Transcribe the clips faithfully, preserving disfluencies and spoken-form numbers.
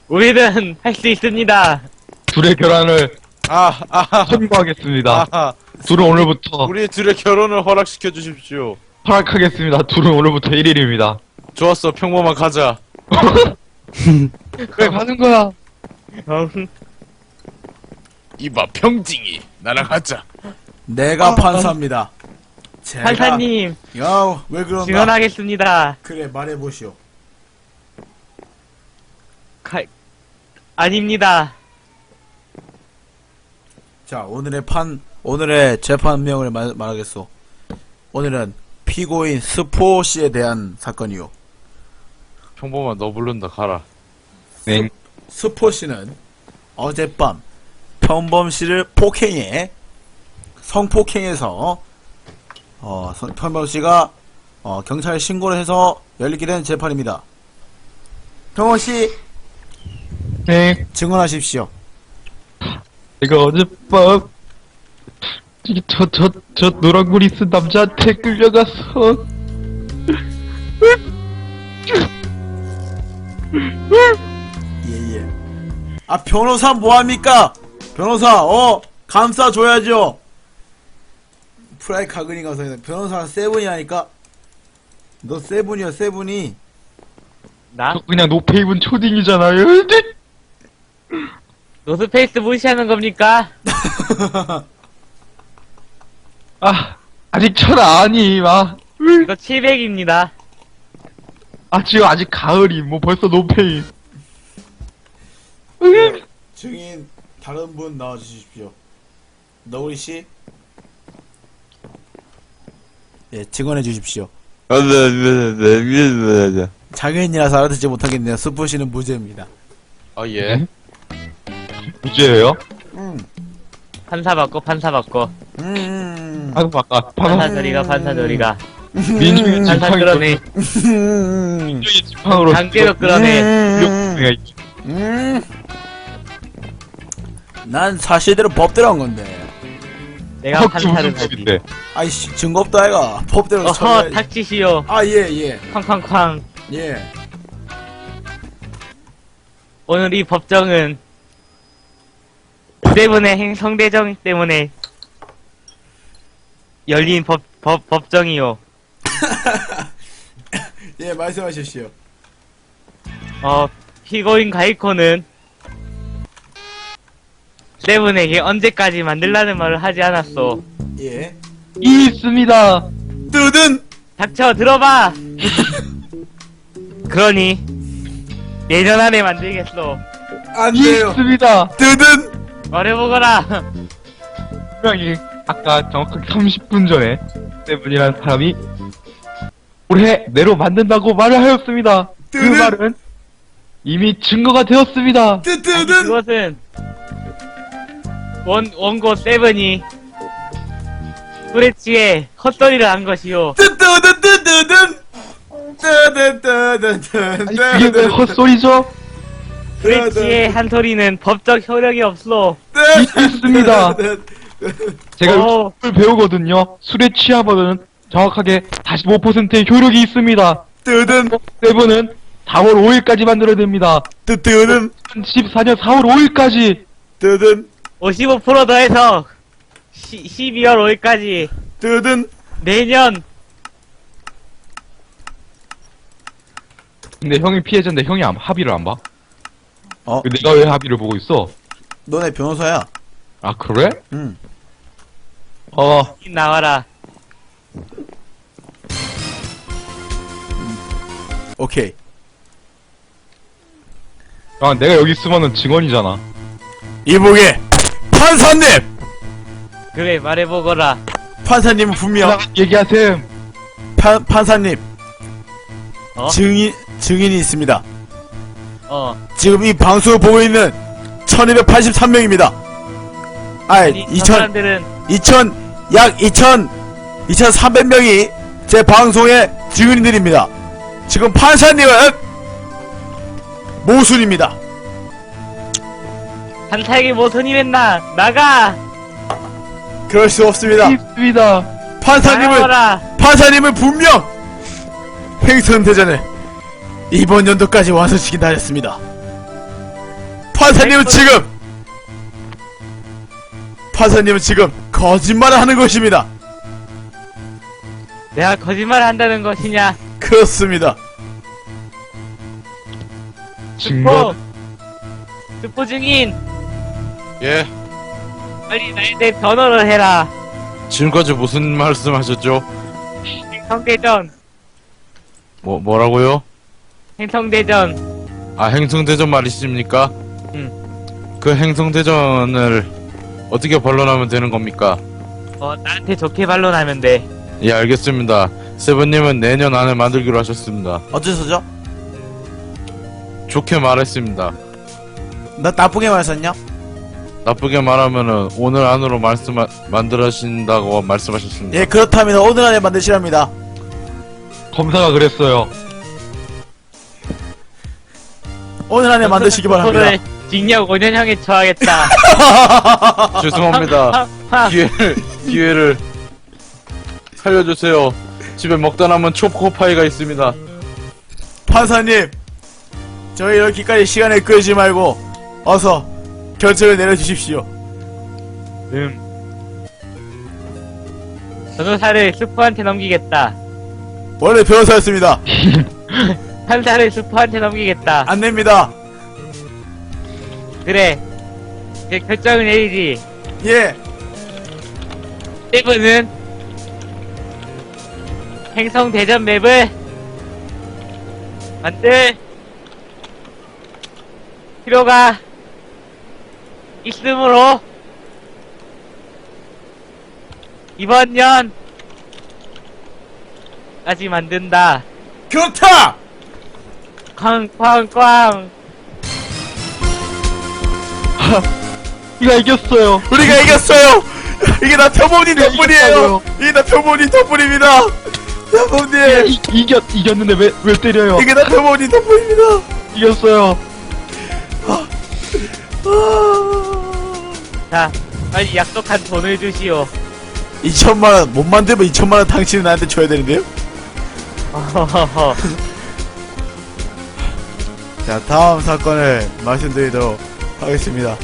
우리는 할 수 있습니다. 둘의 결혼을 아, 아, 선고하겠습니다. 아, 둘은 오늘부터 우리 둘의 결혼을 허락시켜 주십시오. 허락하겠습니다. 둘은 오늘부터 일 일입니다. 좋았어, 평범한 가자. 왜 가는 거야? 이봐, 평징이. 나랑 하자. 내가 판사입니다. 제가... 판사님, 야, 왜 그런가? 증언하겠습니다. 그래, 말해보시오. 가... 아닙니다. 자, 오늘의 판, 오늘의 재판명을 말, 말하겠소. 오늘은 피고인 스포 씨에 대한 사건이요. 평범한 너 부른다, 가라. 네. 스포 씨는 어젯밤 평범 씨를 폭행해 성폭행해서 어, 성- 평범 씨가 어, 경찰에 신고를 해서 열리게 된 재판입니다. 평범 씨 네. 증언하십시오. 제가 어젯밤 저, 저, 저 노란구리 쓴 남자한테 끌려가서 예예. 아 변호사 뭐합니까? 변호사 어 감싸줘야죠. 프라이 카그니 가서 변호사 세븐이라니까. 너 세븐이야 세븐이. 나? 저 그냥 노페이븐 초딩이잖아요. 노스페이스 무시하는 겁니까? 아, 아직 철 아니, 막. 이거 칠백입니다. 아, 지금 아직 가을이, 뭐 벌써 노페이. 증인 다른 분 나와주십시오. 너구리 씨. 예 증언해 주십시오. 장애인이라서 알아듣지 못하겠네요. 스포 씨는 무죄입니다. 아, 예. 무죄예요? 음. 판사 받고 판사 받고 음. 방금 아까 판사 방금 저리가 판사 저리가 민중의 판사 지팡이 끌어내 음. 민중의 지팡으로 강제로 끌어내. 음. 음. 난 사실대로 법대로 한 건데. 내가 판사를 하지. 법인데. 아이씨 증거 없다 아이가. 법대로 어허 처리해야지. 닥치시오. 아 예 예. 쾅쾅쾅. 예. 오늘 이 법정은 세븐의 행성대정 때문에 열린 법, 법, 법정이요. 예 말씀하십시오. 어, 피고인 가이코는 세븐에게 언제까지 만들라는 말을 하지 않았어. 예. 이 있습니다. 뜨든. 닥쳐, 들어봐! 그러니, 내년 안에 만들겠어. 안 이 돼요. 있습니다. 뜨든. 말해보거라! 분명히 아까 정확하게 삼십 분 전에 세븐이라는 사람이 올해 내로 만든다고 말을 하였습니다. 그 뜨는- 말은 이미 증거가 되었습니다. 뜨 아니, 뜨든. 그것은, 원, 원고 세븐이, 후레치에 헛소리를 한 것이요. 뜨 뜨든 뜨든. 뜨든 뜨든 뜨든. 아니, 그게 왜 헛소리죠? 후레치의 한 소리는 법적 효력이 없어. 있습니다. 제가 어. 술 배우거든요. 술에 취하면은 정확하게 사십오 퍼센트의 효력이 있습니다. 뜨든. 세븐은 사월 오일까지 만들어야 됩니다. 뜨 뜨든. 이천십사 년 사월 오일까지. 뜨든. 오십오 퍼센트 더해서, 시, 십이월 오일까지, 뜨든. 내년, 근데 형이 피해자인데 형이 안, 합의를 안 봐? 어? 내가 왜 합의를 보고 있어? 너네 변호사야. 아 그래? 응. 어 나와라. 오케이. 아, 내가 여기 있으면은 증언이잖아. 이보게 판사님. 그래, 말해보거라. 판사님은 분명 얘기하셈. 판 판사님 어? 증인 증인이 있습니다. 어. 지금 이 방송을 보고 있는 천이백팔십삼 명입니다. 아이 아니, 저 이천 사람들은, 이천 약 이천 이천삼백 명이 제 방송의 증인들입니다. 지금 판사님은 모순입니다. 판사에게 모선이 했나? 나가! 그럴 수 없습니다. 있습니다. 판사님은 나가거라! 판사님은 분명 행선대전을 이번 연도까지 완성시킨다 하셨습니다. 판사님은 지금 판사님은 지금 거짓말을 하는 것입니다. 내가 거짓말을 한다는 것이냐? 그렇습니다. 증거. 스포 증인, 예. 빨리 나에 대해 변호를 해라. 지금까지 무슨 말씀하셨죠? 행성대전, 뭐 뭐라고요? 행성대전. 아 행성대전 말이십니까? 응. 그 행성대전을 어떻게 반론하면 되는 겁니까? 어, 나한테 좋게 반론하면 돼. 예 알겠습니다. 세븐님은 내년 안에 만들기로 하셨습니다. 어째서죠? 좋게 말했습니다. 나 나쁘게 말했었냐? 나쁘게 말하면은 오늘 안으로 말씀 만들어신다고 말씀하셨습니다. 예, 그렇답니다. 오늘 안에 만드시랍니다. 검사가 그랬어요. 오늘 안에 만드시기 바랍니다. 스포를 징역 오 년형에 처하겠다. 죄송합니다. 하, 기회를 기회를 살려주세요. 집에 먹다 남은 초코파이가 있습니다. 판사님, 저희 이렇게까지 시간을 끌지 말고 어서 결정을 내려주십시오. 음. 변호사를 스포한테 넘기겠다. 원래 변호사였습니다. 판사를 스포한테 넘기겠다. 안 됩니다. 그래. 이제 결정을 내리지. 예, 세븐은 행성대전 맵을 만들 필요가 있으므로 이번 년까지 만든다. 그렇다! 쾅쾅쾅. 우리가 이겼어요. 우리가 이겼어요! 이게 다 표범님 덕분이에요! 이게 다 표범님 덕분입니다! 표범님! 이, 이겼 이겼는데 왜 왜 때려요? 이게 다 표범님 덕분입니다! 이겼어요. 아... 자, 빨리 약속한 돈을 주시오. 이천만원, 못 만들면 이천만원 당신은 나한테 줘야 되는데요? 어허허허. 자, 다음 사건을 말씀드리도록 하겠습니다.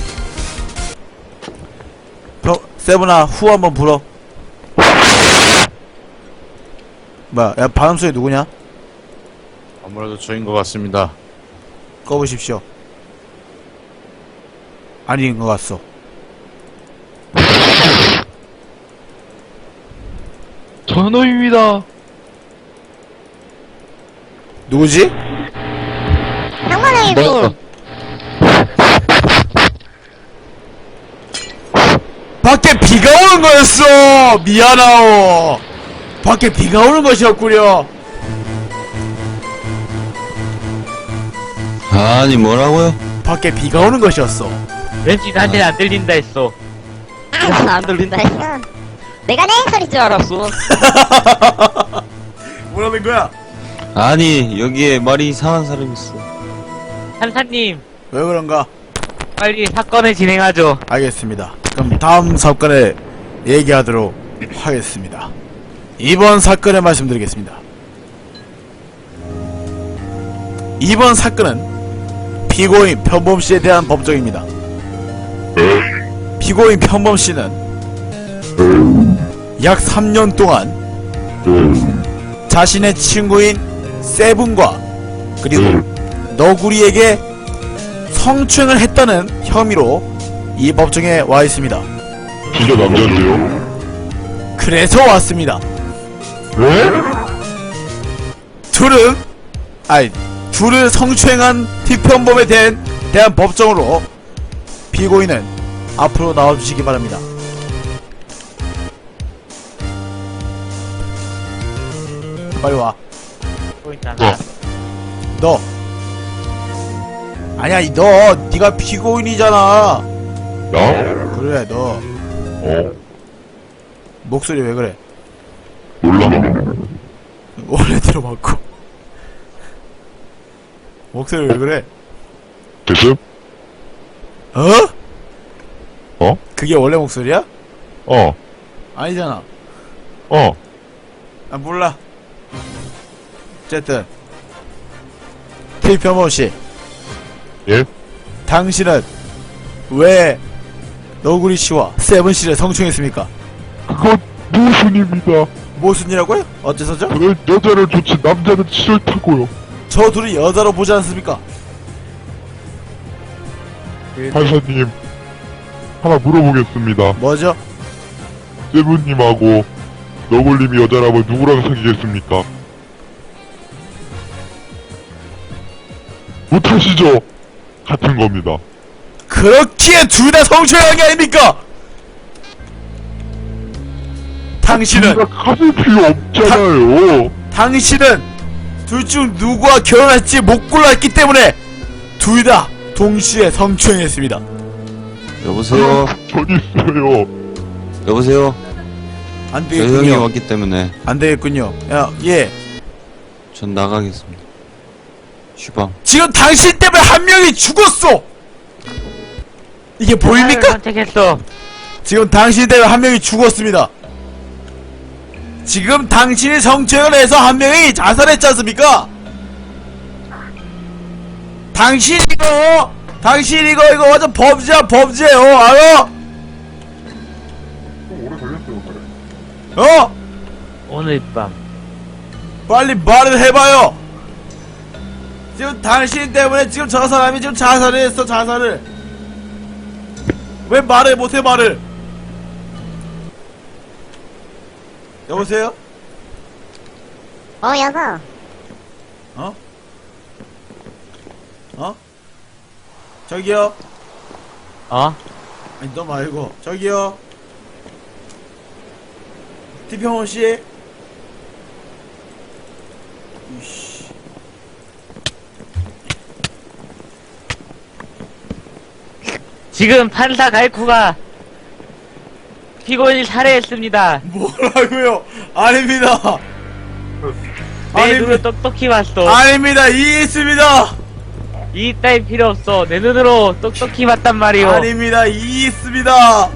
형, 세븐아, 후 한번 불어. 뭐야, 야, 발음소리 누구냐? 아무래도 저인 것 같습니다. 꺼보십시오. 아닌 것 같소. 전호입니다. 누구지? 뭐였어? 밖에 비가 오는 거였어! 미안하오! 밖에 비가 오는 것이었구려! 아니 뭐라고요? 밖에 비가 오는 것이었어. 왠지 나한테는 안 들린다 했어. 아, 안 들린다 했어. 내가 내 소리인 줄 알았어. 뭐라는 거야? 아니 여기에 말이 이상한 사람이 있어. 판사님, 왜 그런가? 빨리 사건을 진행하죠. 알겠습니다. 그럼 다음 사건을 얘기하도록 하겠습니다. 이번 사건을 말씀드리겠습니다. 이번 사건은 피고인 편범씨에 대한 법정입니다. 피고인 편범씨는 약 삼 년 동안 자신의 친구인 세븐과 그리고 너구리에게 성추행을 했다는 혐의로 이 법정에 와 있습니다. 진짜 남자인데요? 그래서 왔습니다. 왜? 둘은 아니 둘을 성추행한 티편범에 대한, 대한 법정으로 피고인은 앞으로 나와주시기 바랍니다. 빨리 와. 또 있잖아. 너. 아니야, 이 너. 네가 피고인이잖아. 나? 그래, 너. 어? 목소리 왜 그래? 몰라. 원래대로 맞고. 목소리 왜 그래? 됐음? 어? 어? 그게 원래 목소리야? 어. 아니잖아. 어. 아, 몰라. 어쨌든. 티편범씨. 예? 당신은 왜 너구리 씨와 세븐 씨를 성추행했습니까? 그건 모순입니다. 무슨이라고요? 어째서죠? 저는 여자를 좋지 남자는 싫다고요. 저 둘이 여자로 보지 않습니까? 판사님, 하나 물어보겠습니다. 뭐죠? 세븐님하고 너굴님이 여자라면 누구랑 사귀겠습니까? 못하시죠? 같은 겁니다. 그렇기에 둘 다 성추행한 게 아닙니까? 당신은 우리가 가질 필요 없잖아요. 당신은 둘 중 누구와 결혼할지 못 골랐기 때문에 둘 다 동시에 성추행했습니다. 여보세요? 전 있어요. 여보세요? 안 저 형이 되겠군요. 왔기 때문에 안 되겠군요. 야, 예. 전 나가겠습니다. 쉬방. 지금 당신 때문에 한 명이 죽었어. 이게 나를 보입니까? 선택했어. 지금 당신 때문에 한 명이 죽었습니다. 지금 당신이 성추행을 해서 한 명이 자살했지 않습니까? 당신 이거 당신 이거 이거 완전 범죄야 범죄요 알아? 어? 오늘 밤. 빨리 말을 해봐요. 지금 당신 때문에 지금 저 사람이 지금 자살을 했어 자살을. 왜 말을 못해 말을? 여보세요? 어, 여보. 어? 어? 저기요? 어? 아니 너 말고 저기요? 티평호씨? 이씨 지금 판사 갈코가 피고인을 살해했습니다. 뭐라고요? 아닙니다 내 아니, 눈으로 똑똑히 봤어. 아닙니다 이있습니다 이 따위 필요 없어. 내 눈으로 똑똑히 봤단 말이오. 아닙니다 이있습니다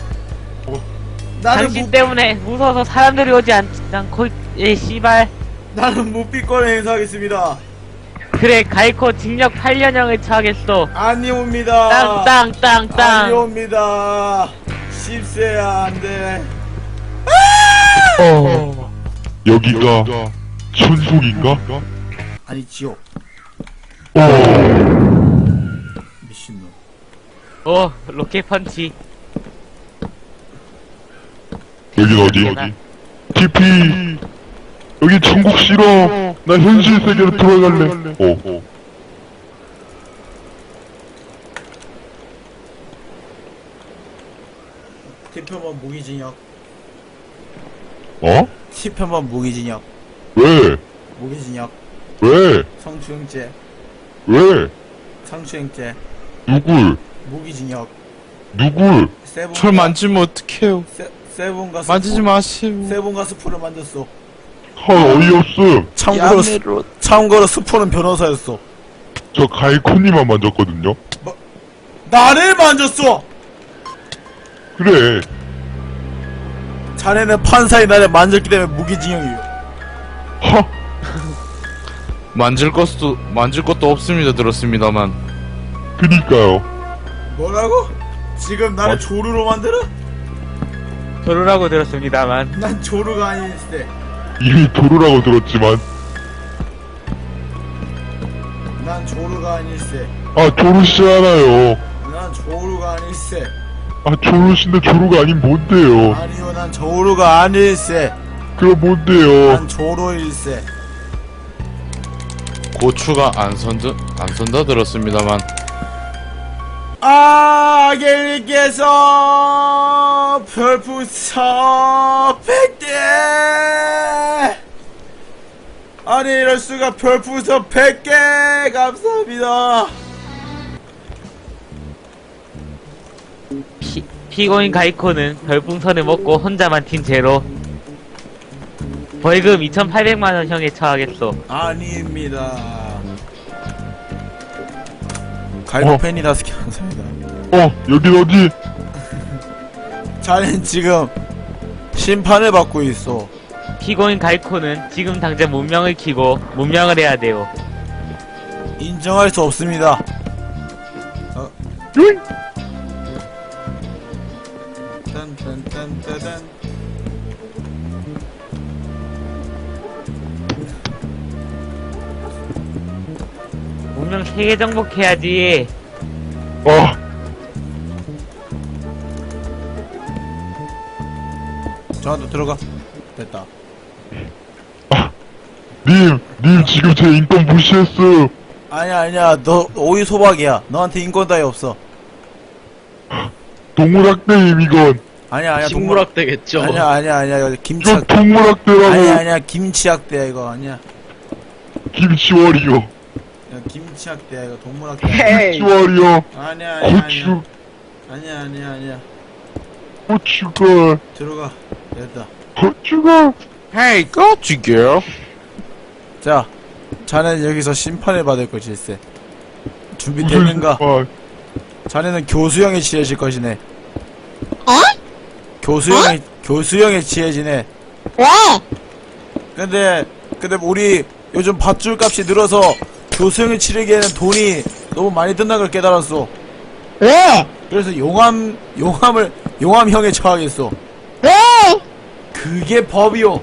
나는 당신 무, 때문에 무서워서 사람들이 오지 않, 않고, 예, 씨발. 나는 무비권 행사하겠습니다 그래, 갈코 징역 팔 년형을 처하겠어. 아니옵니다 땅, 땅, 땅, 땅. 아니옵니다 십세야 안돼 어, 여기가 천국인가? 아니 지옥 어, 미친놈 오, 로켓 펀치. 여긴 어디? 티피. 여기 천국 싫어. 나 현실 세계로 돌아갈래. 어, 어. 티표만 무기징역 어? 티표만 무기징역 왜? 무기징역 왜? 성추행죄 왜? 성추행죄 누굴? 무기징역 누굴? 세븐 절 만지면 어떡해요. 세, 세븐과 만지지 스프, 마세요. 세븐과 스프를 만졌어 헐, 어이없음. 참고로 스, 참고로 스프는 변호사였어 저 가이코님만 만졌거든요. 나를 만졌어 그래. 자네는 판사의 나를 만졌기 때문에 무기징역이에요 하, 만질 것도 만질 것도 없습니다. 들었습니다만. 그니까요. 뭐라고? 지금 나를 어? 조루로 만들어? 조루라고 들었습니다만. 난 조루가 아닐세 이미 도루라고 들었지만. 난 조루가 아닐세 아, 조루씨잖아요. 난 조루가 아닐세 아, 조루씨인데 조루가 아닌 뭔데요? 아니요 난 조루가 아닐세 그럼 뭔데요? 난 조루일세 고추가 안 선다 안 선다 들었습니다만. 아겔님께서 별풍선 백 개 아니 이럴수가 별풍선 백 개 감사합니다 피, 피고인 가이코는 별풍선을 먹고 혼자만 튄 죄로 벌금 이천팔백만 원 형에 처하겠어. 아닙니다 갈고 어. 팬이 다섯 개 감사합니다 어, 여긴 어디? 자넨 지금 심판을 받고 있어 피고인 가이코는 지금 당장 문명을 키고 문명을 해야 돼요. 인정할 수 없습니다 어? 요잉! 딴딴딴따단. 분명 세계 정복해야지. 아, 저한테 들어가. 됐다. 님, 님 지금 제 인권 무시했어. 아니야 아니야 너 오이 소박이야. 너한테 인권 따위 없어. 동물학대임 이건. 아니야 아니야 동물 식물학대겠죠. 아니야 아니야 아니야 김치 이건 학대. 동물학대라고. 아니야 아니야 김치 학대야 이거 아니야. 김치월이요. 야, 김치 학대야 이거 동물 학대. 김치월이요. 아니야 아니야 고추, 아니야 아니야 아니야 아니야. 고추가, 들어가. 됐다. 고추가. Hey, got you, girl. 자, 자네는 여기서 심판을 받을 것일세. 무슨 준비됐는가? 심판. 자네는 교수형에 취해질 것이네. 어? 교수형에 교수형에 취해지네. 왜? 근데 근데 우리 요즘 밧줄 값이 늘어서 교수형에 치르기에는 돈이 너무 많이 든다는 걸 깨달았어. 왜? 그래서 용암 용암을 용암형에 처하겠어. 왜? 그게 법이오.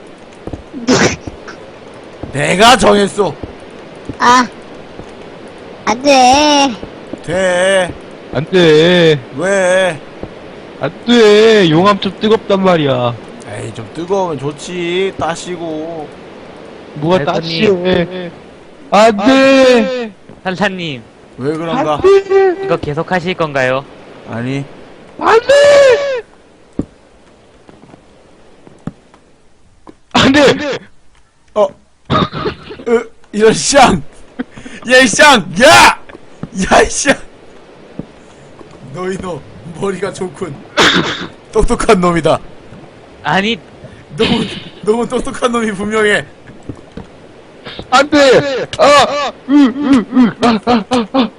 내가 정했어. 아, 안 돼. 돼. 안 돼. 왜? 안 돼. 용암 좀 뜨겁단 말이야. 에이 좀 뜨거우면 좋지. 따시고. 뭐가 알겠니? 따시해. 안 돼. 산사님, 왜 그런가? 이거 계속 하실 건가요? 아니. 안 돼. 안 돼. 어. 으, 이런 쌍! 야, 이 쌍! 야! 야, 이 쌍! 너희 너, 머리가 좋군. 똑똑한 놈이다. 아니, 너무, 너무 똑똑한 놈이 분명해. 안 돼. 아, 으, 으, 으, 아, 아, 아, 아.